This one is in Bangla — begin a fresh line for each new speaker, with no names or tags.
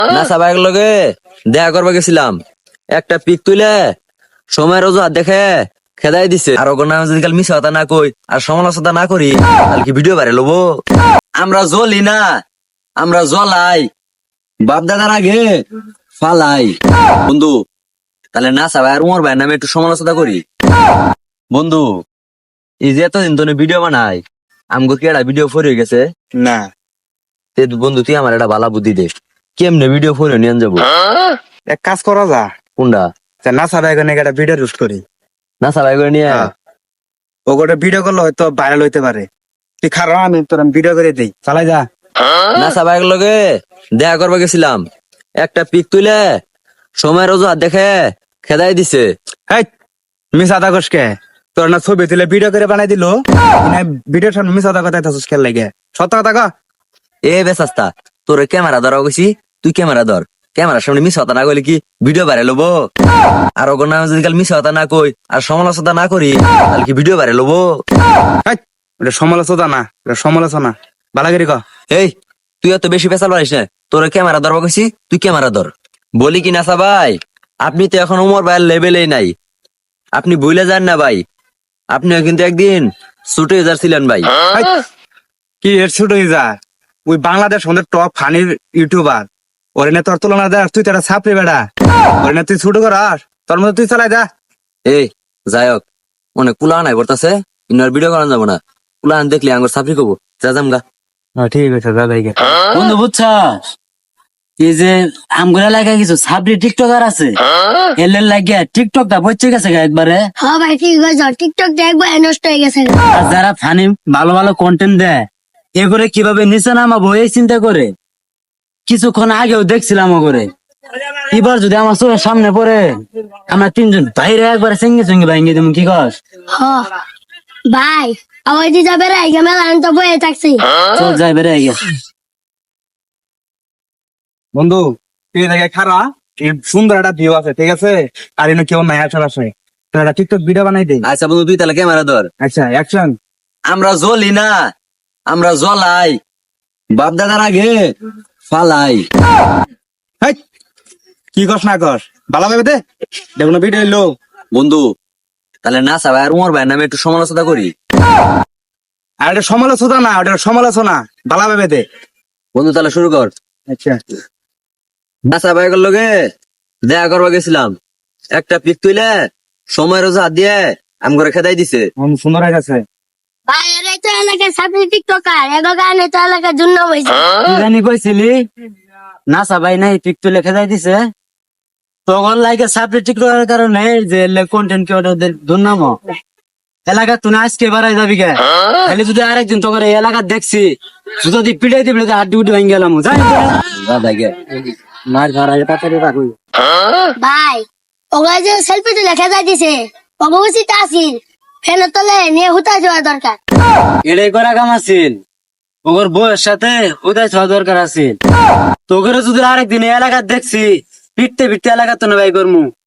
না সবাই লগে দেখা করবা গেছিলাম, একটা পিক তুলে সময়ের অজুহাত দেখে খেদাই দিছে। আর ওগো নাম যদি কাল মিশা কথা না কই আর সমালোচনা না করি তাহলে কি ভিডিও বাইরে লবো? আমরা জ্বলি না, আমরা জ্বলাই, বাপ দাদার আগে ফালাই। বন্ধু তাহলে না সবাই আর উমর ভাইয়ের নামে একটু সমালোচনা করি। বন্ধু এই যে এতদিন তো ভিডিও বানাই, আমগো কি একটা ভিডিও ফরিয়ে গেছে
না
তে বন্ধু তুই আমার একটা ভালো বুদ্ধি দে, কেমনে ভিডিও ফরিয়ে নিয়ে যাবো?
এক কাজ করা যা,
কোনটা?
না সারা এখানে একটা ভিডিও রুস্ট করি।
না সবাই করে নিয়ে
হ্যাঁ। ও গোটা ভিডিও করলে হয়তো ভাইরাল হইতে পারে। তুই খারাপ, আমি তোর ভিডিও করে দিই, চালাই যা।
না সবাই লগে দেখা করবা গেছিলাম, একটা পিক তুলে সময়ের অজুহাত দেখে খেদাই দিছে।
হেই মিস আদা কষকে তোর না ছবি তুলে ভিডিও করে বানাই দিল, ভিডিওর সামনে মিস আদা কথা থাকুস খেল লাগে, সত্য কথা কা।
এ বেসাস্তা, তোর ক্যামেরা ধরা গেছি, তুই ক্যামেরা ধর। ক্যামেরার সামনে মিস হতা না কইলে কি ভিডিও বাইরে লবো? আর ওগো নাম যদি কাল মিস হতা না কই আর সমালোচনা না করি তাহলে কি ভিডিও বাইরে লবো?
এটা সমালোচনা না, এটা সমালোচনা। বালাগিরি ক।
এই তুই এত বেশি পেশাল পারিস না, তোর ক্যামেরা ধরবা গেছি, তুই ক্যামেরা ধর। বলি কি না ভাই, আপনি তো এখন উমর ভাইয়ের লেভেলেই নাই, আপনি ভুলে যান না ভাই, আপনিও কিন্তু একদিন ছোট ইউজার ছিলেন ভাই।
হেই, কি এর ছোট হয়ে যা, ওই বাংলাদেশ আমাদের টপ ফানির ইউটিউবার, ওরে না তোর তুলনা দেয়, তুই তো একটা ছাপড়ি বেড়া, ওরে না তুই ছোট করাস, তোর মধ্যে তুই চালাই যা।
এই যাই হোক, অনেক কুলা নাই বলতেছে, ইনার ভিডিও করানো যাবো না, কুলা দেখলি আঙ্গুর সাফরি করবো, যা যাম গা।
ঠিক আছে দাদাই গে।
বন্ধু বুঝছস, এই যে আমগুলা লাগা কিছু সাবরি টিকটকার আছে, এলের লাগিয়া টিকটকটা বসে গেছে গা একবারে।
হ্যাঁ ভাই ঠিক আছে, টিকটক দেখবো নষ্ট হয়ে গেছে।
আর যারা ফানি ভালো ভালো কন্টেন্ট দেয়, এ করে কিভাবে নিচে নামাবো এই চিন্তা করে কিছুক্ষণ আগেও দেখছিলাম ও করে। এবার যদি আমার চোখের সামনে পড়ে, আমরা তিনজন বাইরে একবারে সঙ্গে সঙ্গে ভাঙ্গি দেবো, কি কস?
হ্যাঁ ভাই, আবার যে যাবে রে মেলা আমি তো বয়ে থাকছি।
চল যাই বেড়ে গেছে।
বন্ধু তুই দেখে খারা, এই সুন্দর একটা ভিউ আছে, ঠিক আছে, আর এনে কেউ নাই আশেপাশে, তো একটা টিকটক ভিডিও বানাই দেই।
আচ্ছা বন্ধু তুই তাহলে ক্যামেরা ধর।
আচ্ছা অ্যাকশন।
আমরা জ্বলি না, আমরা জ্বলাই, বাপ দাদার আগে ফালাই।
কি কস না কস, ভালো ভাবে দে, দেখুন ভিডিও এলো।
বন্ধু তাহলে না সবাই আর উমর ভাইয়ের নামে একটু সমালোচনা করি।
আর এটা সমালোচনা না, ওটা সমালোচনা, ভালো ভাবে দে।
বন্ধু তাহলে শুরু কর।
আচ্ছা
না সবাই লগে দেখা করবা গেছিলাম, একটা পিক তুলে সময়ের অজুহাত দিয়ে আম করে খেদাই দিছে।
সুন্দর হয়ে গেছে।
ভাই আরে তো এলাকায় সাপড়ি টিকটকার, এগো গানে তো এলাকার জন্য হয়েছে।
তুই জানি কইছিলি নাসা ভাই নাই পিক তুলে খেদাই দিছে, তখন লাইকে সাবরি টিকটকের কারণে যে কন্টেন্ট ক্রিয়েটরদের দুর্নাম এলাকা তুই আজকে বাড়াই যাবি কে? খালি যদি আরেকদিন তোকে এই এলাকা দেখছি যদি পিটাই দিবি হাড্ডি উড্ডি ভেঙে গেলাম, যাই মার ঘর তাড়াতাড়ি রাখুই।
ভাই ওগুলো যে সেলফি তুলে খেজা দিছে, অবশ্যই তা আসিল ফেলে তোলে নিয়ে হুতা যাওয়া দরকার।
এটাই করা কাম আছিল, ওর বউয়ের সাথে উদয় হওয়া দরকার আছিল। তোকে যদি আরেকদিন এই এলাকা দেখছি পিটতে পিটতে এলাকা তো না ভাই করমু।